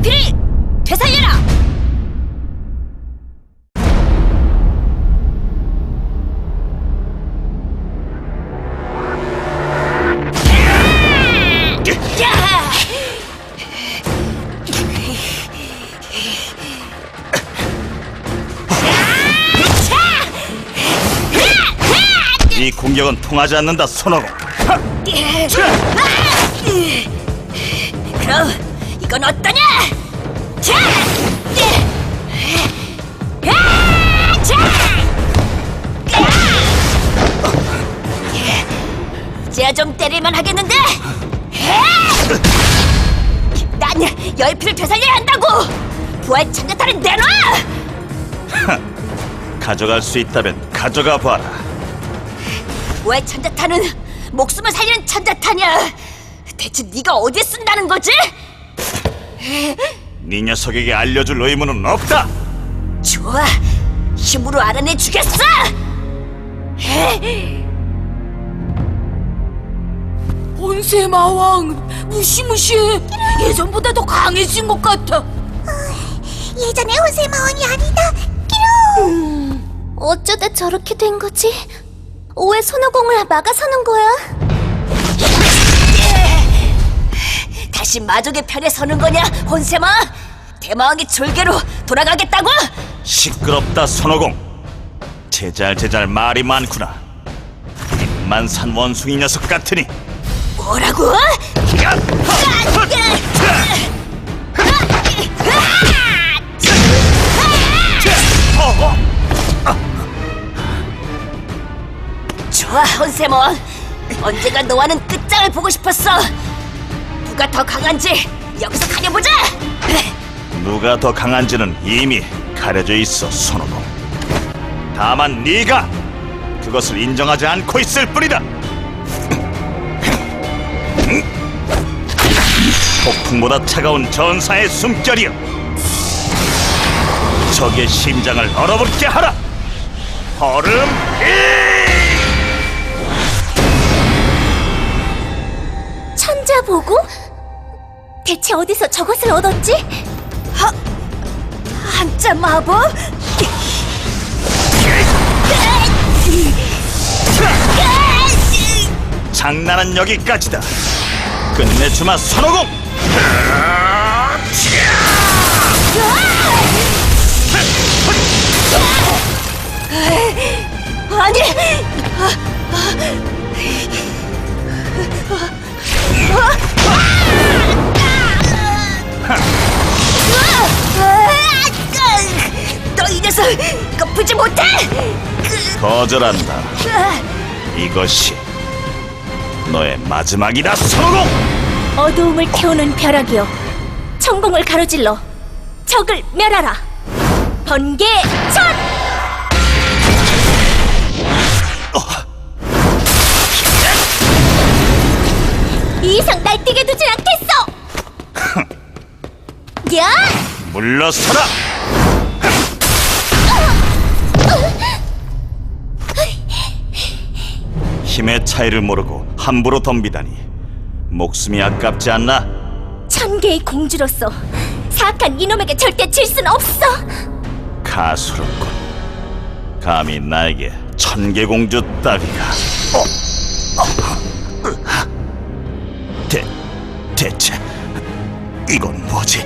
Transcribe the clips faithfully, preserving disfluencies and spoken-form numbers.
열필이 되살려라! 이 공격은 통하지 않는다, 손오공. 그럼 이건 어떠냐? 자! 이제야 좀 때릴만 하겠는데? 난 열피를 되살려야 한다고! 부활 천자탄을 내놔! 가져갈 수 있다면 가져가 봐라. 부활 천자탄은 목숨을 살리는 천자탄이야. 대체 네가 어디에 쓴다는 거지? 네 녀석에게 알려줄 의무는 없다. 좋아, 힘으로 알아내 주겠어. 혼세마왕 무시무시해. 예전보다 더 강해진 것 같아. 예전의 혼세마왕이 아니다. 끼롱. 어쩌다 저렇게 된 거지? 왜 손오공을 막아서는 거야? 다시 마족의 편에 서는 거냐, 혼세마? 대마왕의 졸개로 돌아가겠다고? 시끄럽다, 손오공. 제잘제잘 말이 많구나. 만산 원숭이 녀석 같으니. 뭐라고? 좋아, 혼세몬. 언제가 너와는 끝장을 보고 싶었어. 누가 더 강한지 여기서 가려보자. 누가 더 강한지는 이미 가려져 있어, 손오공. 다만 네가 그것을 인정하지 않고 있을 뿐이다. 폭풍보다 차가운 전사의 숨결이여, 적의 심장을 얼어붙게 하라. 얼음 천자보고? 대체 어디서 저것을 얻었지? 하, 한자 마법? 장난은 여기까지다. 끝내주마, 손오공. 아니! 너 이 녀석 꺾이지 못해! 거절한다. 이것이 너의 마지막이다, 손오공. 어두움을 태우는 벼락이여, 천공을 가로질러 적을 멸하라. 번개천! 이 이상 날뛰게 두진 않겠어! 야! 물러서라. 힘의 차이를 모르고 함부로 덤비다니 목숨이 아깝지 않나? 천개의 공주로서 사악한 이놈에게 절대 질 순 없어! 가수롭군. 감히 나에게 천개공주 따위가. 어? 어? 대, 대체 이건 뭐지?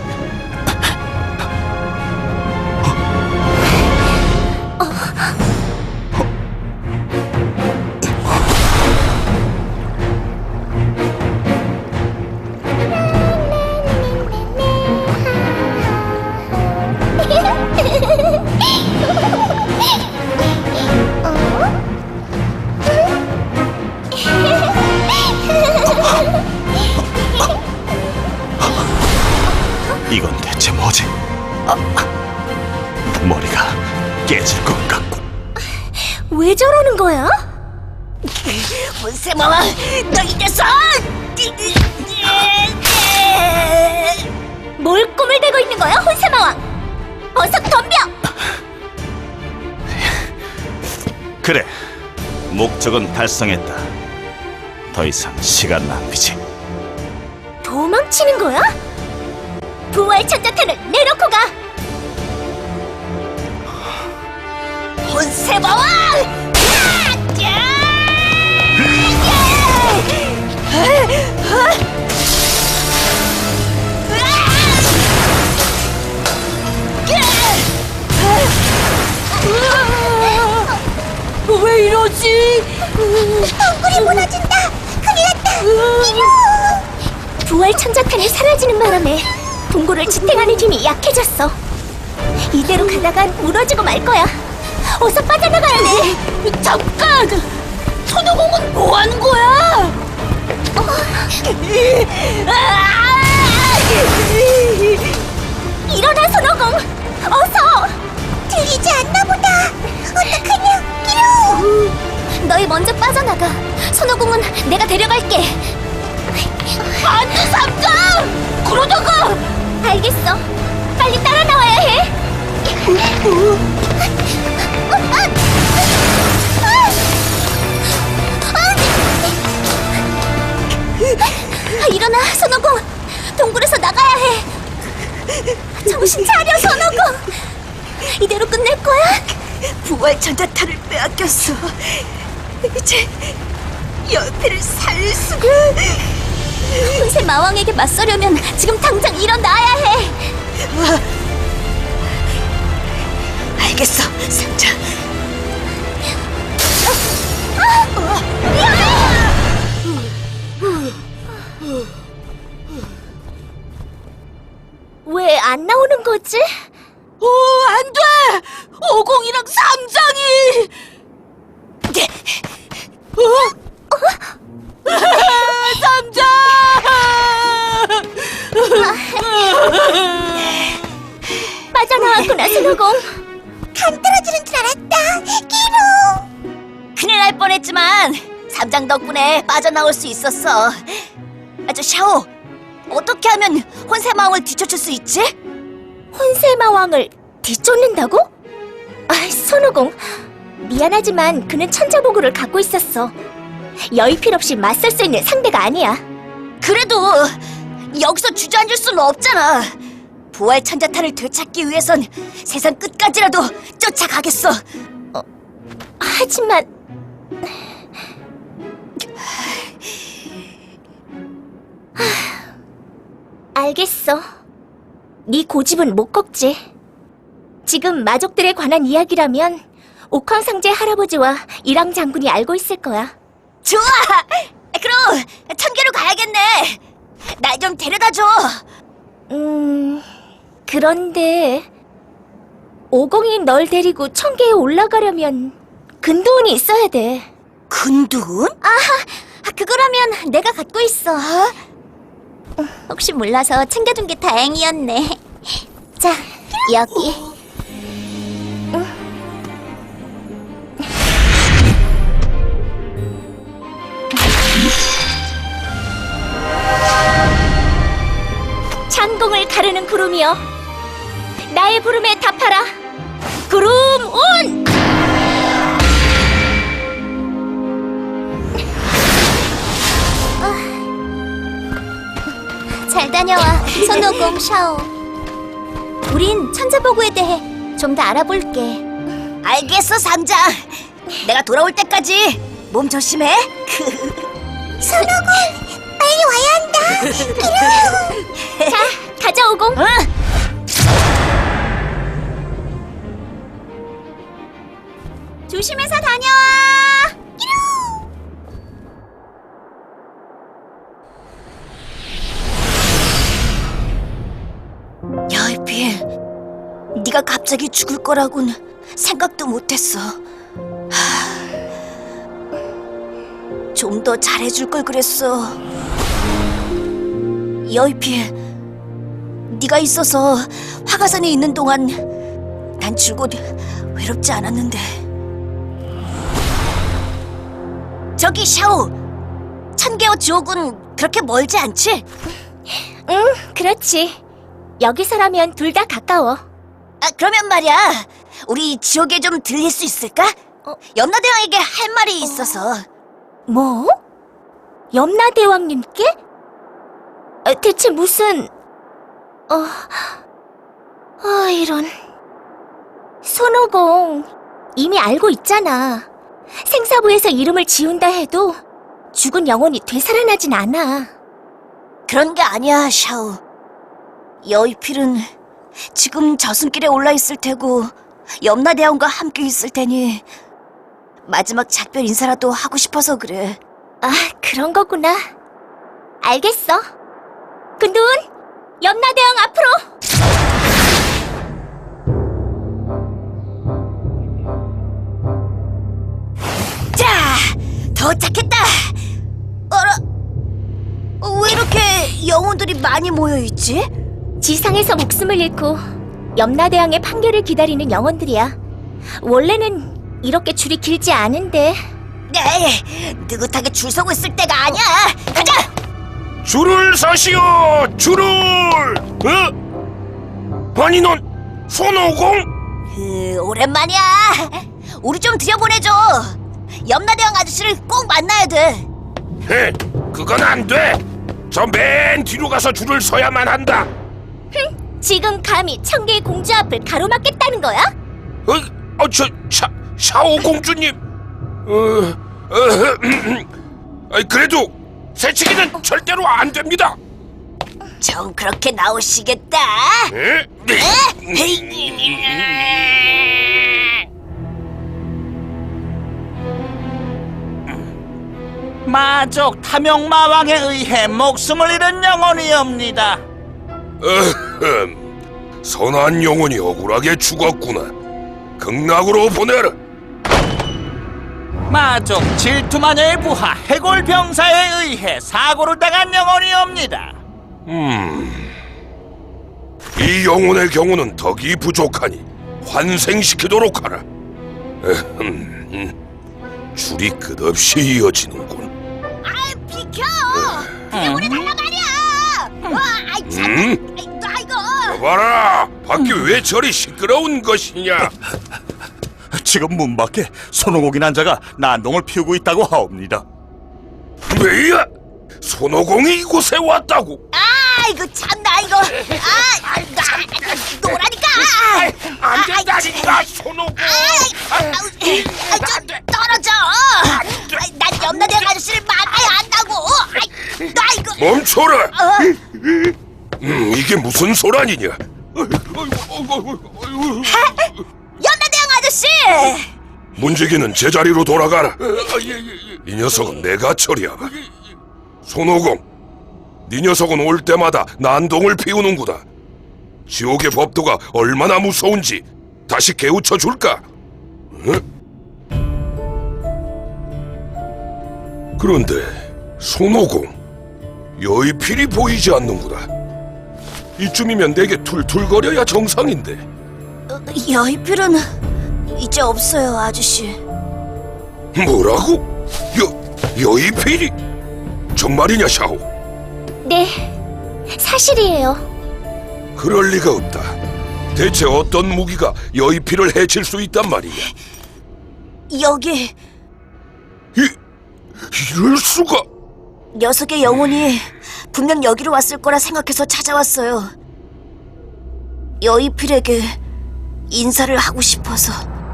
이건 대체 뭐지? 아, 머리가 깨질 것 같군. 왜 저러는 거야? 혼세마왕, 너 이 녀석! 뭘 꿈을 대고 있는 거야, 혼세마왕? 어서 덤벼! 그래, 목적은 달성했다. 더 이상 시간 낭비지. 도망치는 거야? 부활 천자탄을 내놓고 가! 혼세마왕! 왜 이러지? 동굴이 무너진다! 큰일 났다! 이루! 부활 천자탄이 사라지는 바람에 동굴을 지탱하는 힘이 약해졌어. 이대로 가다간 무너지고 말 거야. 어서 빠져나가야 돼. 잠깐! 손오공은 뭐 하는 거야? 일어나, 손오공! 어서! 들리지 않나 보다. 어떡하냐, 이루! 너희 먼저 빠져나가. 손오공은 내가 데려갈게. 안 돼, 삼장! 그러다가! 알겠어. 빨리 따라 나와야 해. 아, 일어나, 손오공. 동굴에서 나가야 해. 정신 차려, 손오공. 이대로 끝낼 거야? 부활 천자탄을 빼앗겼어. 이제 연필을 살릴 수가. 혼세 마왕에게 맞서려면 지금 당장 일어나야 해. 알겠어, 상자. 왜 안 나오는 거지? 오, 안 돼! 오공이랑 삼장이! 어? 삼장! 빠져나왔구나, 손오공. 간 떨어지는 줄 알았다. 끼로. 큰일 날 뻔했지만 삼장 덕분에 빠져나올 수 있었어. 아, 저 샤오, 어떻게 하면 혼세마왕을 뒤쫓을 수 있지? 혼세마왕을 뒤쫓는다고? 아, 손오공. 미안하지만 그는 천자보고를 갖고 있었어. 여의필 없이 맞설 수 있는 상대가 아니야. 그래도 여기서 주저앉을 수는 없잖아. 부활 천자탄을 되찾기 위해선 세상 끝까지라도 쫓아가겠어. 하지만 하, 알겠어. 네 고집은 못 꺾지. 지금 마족들에 관한 이야기라면 옥황상제 할아버지와 이랑 장군이 알고 있을 거야. 좋아! 그럼 천계로 가야겠네. 날 좀 데려다줘. 음... 그런데 오공이 널 데리고 천계에 올라가려면 근도운이 있어야 돼. 근두운? 아하, 그거라면 내가 갖고 있어. 혹시 몰라서 챙겨준 게 다행이었네. 자, 여기. 창공을 가르는 구름이여, 나의 부름에 답하라. 구름 온! 잘 다녀와, 손오공, 샤오. 우린 천자보고에 대해 좀 더 알아볼게. 알겠어, 삼장. 내가 돌아올 때까지 몸 조심해. 손오공, 빨리 와야 한다. 자, 가자, 오공. 응? 조심해서 다녀와. 여의필, 네가 갑자기 죽을 거라곤 생각도 못했어. 좀 더 잘해줄 걸 그랬어. 여의필, 네가 있어서 화가산에 있는 동안 난 줄곧 외롭지 않았는데. 저기 샤오, 천개와 지옥은 그렇게 멀지 않지? 응, 그렇지. 여기서라면 둘 다 가까워. 아, 그러면 말이야, 우리 지옥에 좀 들릴 수 있을까? 어? 염라대왕에게 할 말이 있어서. 뭐? 염라대왕님께? 어, 대체 무슨... 어, 아, 이런. 손오공, 이미 알고 있잖아. 생사부에서 이름을 지운다 해도 죽은 영혼이 되살아나진 않아. 그런 게 아니야, 샤오. 여의필은 지금 저승길에 올라 있을 테고 염라대왕과 함께 있을 테니 마지막 작별 인사라도 하고 싶어서 그래. 아, 그런 거구나. 알겠어. 근둔, 염라대왕 앞으로! 자, 도착했다. 어라, 왜 이렇게 영혼들이 많이 모여 있지? 지상에서 목숨을 잃고 염라대왕의 판결을 기다리는 영혼들이야. 원래는 이렇게 줄이 길지 않은데. 네, 느긋하게 줄 서고 있을 때가 아니야. 가자. 줄을 서시오! 줄을! 어? 아니 넌 손오공? 으, 오랜만이야. 우리 좀 들여보내줘. 염라대왕 아저씨를 꼭 만나야 돼. 헤, 그건 안 돼! 저 맨 뒤로 가서 줄을 서야만 한다! 지금 감히 청계의 공주 앞을 가로막겠다는 거야? 어, 어, 저, 샤, 샤오 공주님! 어, 어, 아, 그래도 새치기는 절대로 안 됩니다! 정 그렇게 나오시겠다. 에? 마족 탐욕마왕에 의해 목숨을 잃은 영혼이옵니다. 어흠, 선한 영혼이 억울하게 죽었구나. 극락으로 보내라. 마족 질투마녀의 부하 해골병사에 의해 사고를 당한 영혼이옵니다. 음, 이 영혼의 경우는 덕이 부족하니 환생시키도록 하라. 에흠, 음, 줄이 끝없이 이어지는군. 아, 비켜. 영혼이 달라 말이야. 와, 아이 참. 음? 아이, 아이고. 봐라, 밖이 왜 저리 시끄러운 것이냐? 지금 문 밖에 손오공인 한자가 난동을 피우고 있다고 하옵니다. 왜야? 손오공이 이곳에 왔다고? 아이고 참나 이거. 아, 나 노라니까. 안 된다니까, 손오공! 아이, 아우, 좀 떨어져. 아이, 난 염라대왕 아저씨를 만나야 한다고. 아이, 나 이거. 멈춰라! 어? 음, 이게 무슨 소란이냐? 염라대왕 아저씨. 문지기는 제자리로 돌아가라. 이 녀석은 내가 처리하마. 손오공, 네 녀석은 올 때마다 난동을 피우는구나. 지옥의 법도가 얼마나 무서운지 다시 깨우쳐 줄까? 응? 그런데 손오공, 여의필이 보이지 않는구나. 이쯤이면 내게 툴툴거려야 정상인데. 어, 여의필은 이제 없어요, 아저씨. 뭐라고? 여, 여의필이? 정말이냐, 샤오? 네, 사실이에요. 그럴 리가 없다. 대체 어떤 무기가 여의필을 해칠 수 있단 말이냐? 여기 이, 이럴 수가? 녀석의 영혼이 분명 여기로 왔을 거라 생각해서 찾아왔어요. 여의필에게 인사를 하고 싶어서.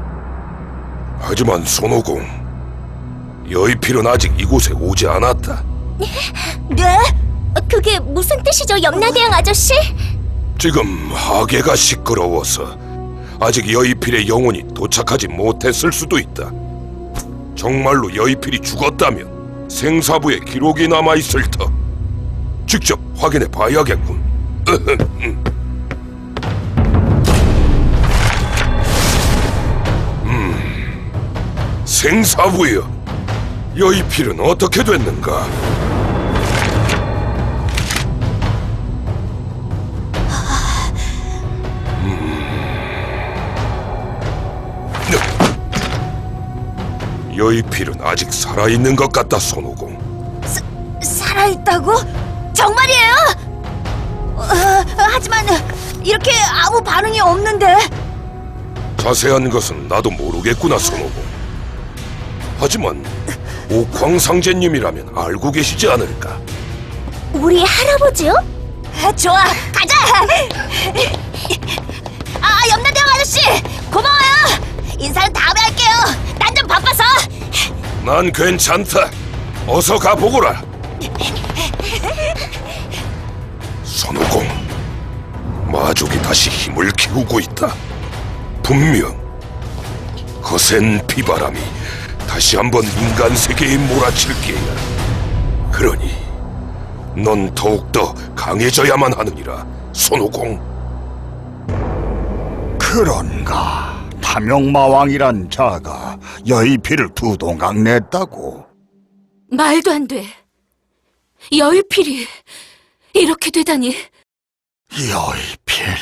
하지만 손오공, 여의필은 아직 이곳에 오지 않았다. 네? 어, 그게 무슨 뜻이죠, 염라대왕 아저씨? 지금 하계가 시끄러워서 아직 여의필의 영혼이 도착하지 못했을 수도 있다. 정말로 여의필이 죽었다면 생사부에 기록이 남아있을 터. 직접 확인해 봐야겠군. 음, 생사부여, 여의필은 어떻게 됐는가? 여의필은 아직 살아있는 것 같다, 손오공. 사, 살아있다고? 정말이에요? 어, 하지만 이렇게 아무 반응이 없는데. 자세한 것은 나도 모르겠구나, 손오공. 하지만 옥황상제님이라면 알고 계시지 않을까? 우리 할아버지요? 좋아, 가자. 난 괜찮다. 어서 가보거라. 손오공, 마족이 다시 힘을 키우고 있다. 분명 거센 비바람이 다시 한번 인간 세계에 몰아칠 게야. 그러니 넌 더욱더 강해져야만 하느니라, 손오공. 그런가? 탐욕마왕이란 자가 여의피를 두 동강 냈다고? 말도 안 돼. 여의필이 이렇게 되다니. 여의필...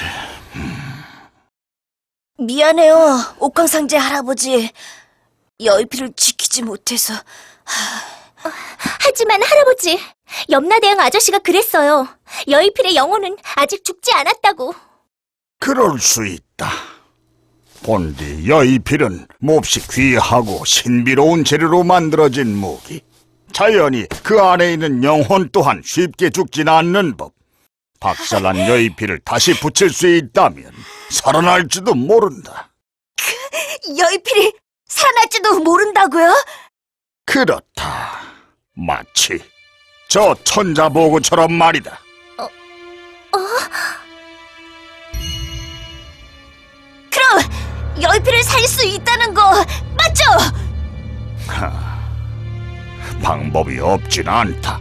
미안해요, 옥황상제 할아버지. 여의필을 지키지 못해서. 하지만 할아버지, 염라대왕 아저씨가 그랬어요. 여의필의 영혼은 아직 죽지 않았다고. 그럴 수 있다. 본디 여의필은 몹시 귀하고 신비로운 재료로 만들어진 무기. 자연히 그 안에 있는 영혼 또한 쉽게 죽진 않는 법. 박살난 여의필을 다시 붙일 수 있다면 살아날지도 모른다. 여의필이 살아날지도 모른다고요? 그렇다. 마치 저 천자보고처럼 말이다. 그럼 여의필을 살 수 있다는 거 맞죠? 하, 방법이 없진 않다.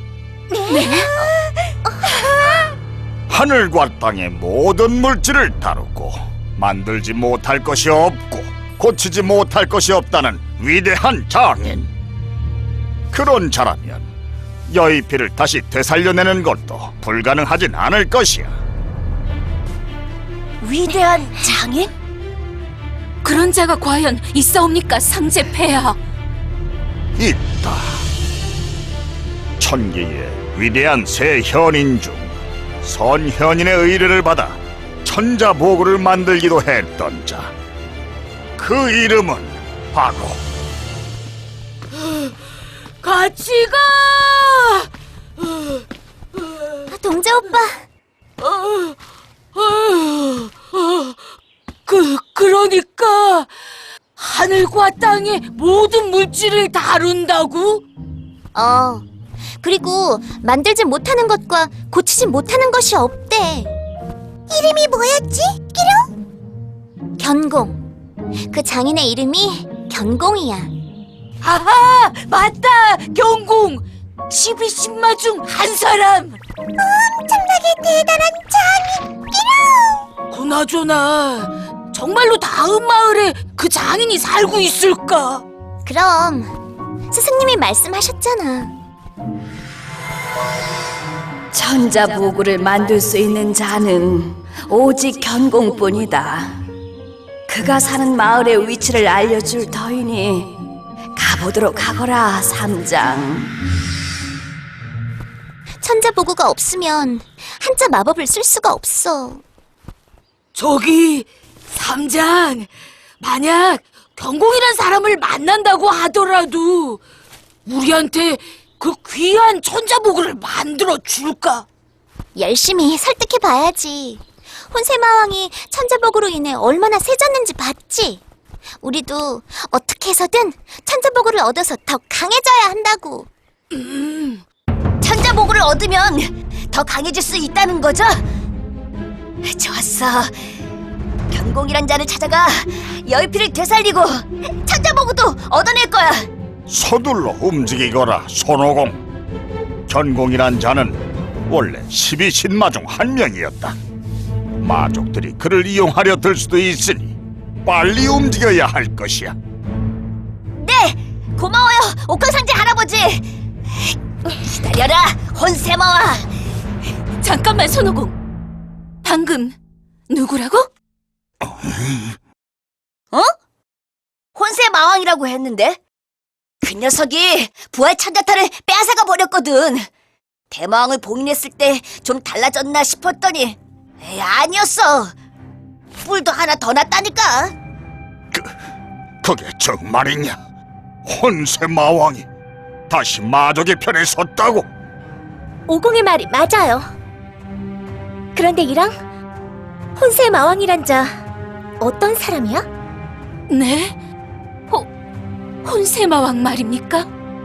하늘과 땅의 모든 물질을 다루고 만들지 못할 것이 없고 고치지 못할 것이 없다는 위대한 장인. 그런 자라면 여의필을 다시 되살려내는 것도 불가능하진 않을 것이야. 위대한 장인? 그런 자가 과연 있사옵니까, 상제 폐하? 있다. 천계의 위대한 세 현인 중 선현인의 의뢰를 받아 천자보고를 만들기도 했던 자. 그 이름은 바로 같이 가! 동자 오빠, 그, 그러니까 하늘과 땅의 모든 물질을 다룬다고? 어, 그리고 만들지 못하는 것과 고치지 못하는 것이 없대. 이름이 뭐였지? 끼룡? 견공. 그 장인의 이름이 견공이야. 아하! 맞다! 경공! 십이신마 중 한 사람! 엄청나게 대단한 장인 끼룡! 그나저나 정말로 다음 마을에 그 장인이 살고 있을까? 그럼 스승님이 말씀하셨잖아. 천자보고를 만들 수 있는 자는 오직 견공뿐이다. 그가 사는 마을의 위치를 알려줄 터이니 가보도록 하거라, 삼장. 천자보고가 없으면 한자 마법을 쓸 수가 없어. 저기 삼장, 만약 경공이란 사람을 만난다고 하더라도 우리한테 그 귀한 천자보고를 만들어 줄까? 열심히 설득해 봐야지. 혼세마왕이 천자보고로 인해 얼마나 세졌는지 봤지? 우리도 어떻게 해서든 천자보고를 얻어서 더 강해져야 한다고. 음, 천자보고를 얻으면 더 강해질 수 있다는 거죠? 좋았어. 견공이란 자를 찾아가 여의필을 되살리고 천자보고도 얻어낼 거야. 서둘러 움직이거라, 손오공. 견공이란 자는 원래 십이 신마 중 한 명이었다. 마족들이 그를 이용하려 들 수도 있으니 빨리 움직여야 할 것이야. 네, 고마워요, 옥황상제 할아버지. 기다려라, 혼세마왕. 잠깐만, 손오공. 방금 누구라고? 어? 혼세마왕이라고 했는데? 그 녀석이 부활 천자탄을 빼앗아가 버렸거든. 대마왕을 봉인했을 때 좀 달라졌나 싶었더니 에이, 아니었어. 뿔도 하나 더 났다니까. 그, 그게 정말이냐? 혼세마왕이 다시 마족의 편에 섰다고? 오공의 말이 맞아요. 그런데 이랑 혼세마왕이란 자 어떤 사람이야? 네? 호, 혼세마왕 말입니까?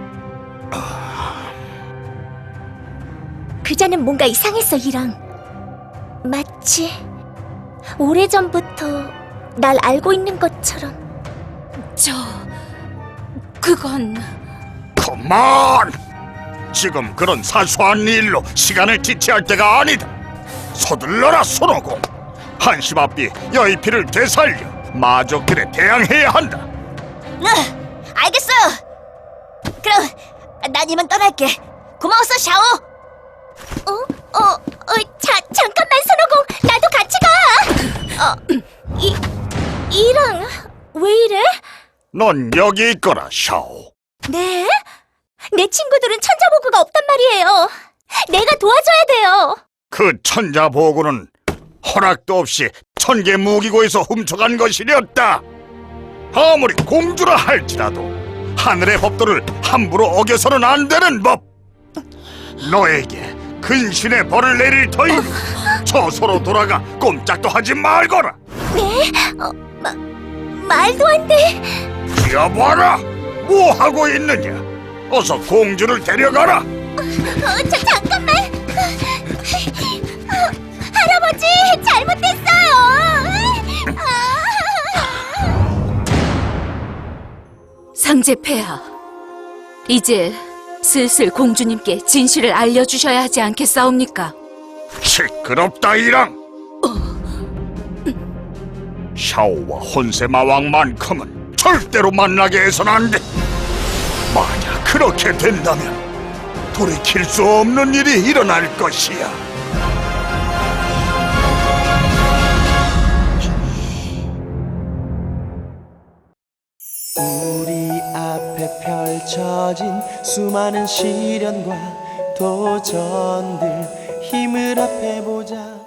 그자는 뭔가 이상했어, 이랑. 마치 오래전부터 날 알고 있는 것처럼. 저... 그건... 그만! 지금 그런 사소한 일로 시간을 지체할 때가 아니다. 서둘러라, 손오공. 한시 앞이 여의피를 되살려 마족들에 대항해야 한다. 네, 알겠어요. 그럼 난 이만 떠날게. 고마웠어, 샤오. 어? 어? 어? 자, 잠깐만, 손오공. 나도 같이 가. 어? 이... 이랑 왜 이래? 넌 여기 있거라, 샤오. 네? 내 친구들은 천자보고가 없단 말이에요. 내가 도와줘야 돼요. 그 천자보고는 허락도 없이 천개 무기고에서 훔쳐간 것이었다. 아무리 공주라 할지라도 하늘의 법도를 함부로 어겨서는 안 되는 법. 너에게 근신의 벌을 내릴 터이니 저소로 돌아가 꼼짝도 하지 말거라. 네? 어, 마, 말도 안 돼. 뛰어봐라. 뭐 하고 있느냐? 어서 공주를 데려가라. 어, 저 잠깐만. 어, 할아버지, 잘못됐어요. 상제폐하, 이제 슬슬 공주님께 진실을 알려주셔야 하지 않겠사옵니까? 시끄럽다, 이랑. 샤오와 혼세마왕만큼은 절대로 만나게 해서는 안 돼. 만약 그렇게 된다면 돌이킬 수 없는 일이 일어날 것이야. 우리 앞에 펼쳐진 수많은 시련과 도전들 힘을 합해보자.